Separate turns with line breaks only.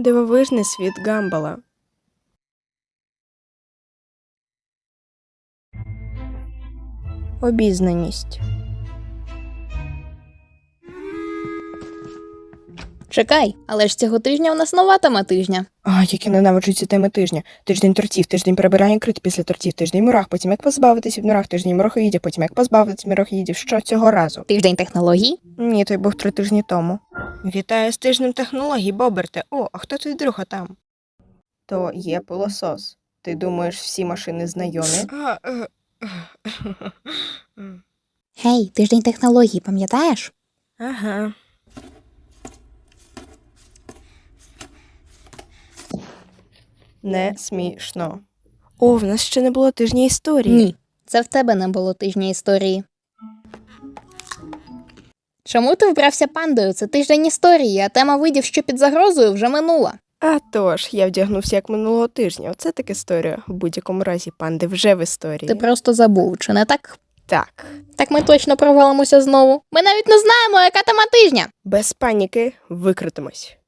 Дивовижний світ Гамбола. Обізнаність.
Чекай, але ж цього тижня у нас нова тема тижня.
А, як я ненавиджу ці теми тижня. Тиждень тортів, тиждень прибирання крит після тортів, тиждень мурах, потім як позбавитись від мурах, тиждень мурахоїдів, потім як позбавитись мурахоїдів. Що цього разу?
Тиждень технологій?
Ні, той був 3 тижні тому. Вітаю з тижнем технологій, Боберте. О, а хто твій друг там? То є пилосос. Ти думаєш, всі машини знайомі?
Гей, тиждень технологій, пам'ятаєш?
Ага. Не смішно. О, в нас ще не було тижня історії.
Ні, це в тебе не було тижня історії. Чому ти вбрався пандою? Це тиждень історії, а тема видів, що під загрозою, вже минула.
А тож, я вдягнувся як минулого тижня. Оце так історія. В будь-якому разі панди вже в історії.
Ти просто забув, чи не так?
Так.
Так ми точно провалимося знову. Ми навіть не знаємо, яка тема тижня.
Без паніки викритимось.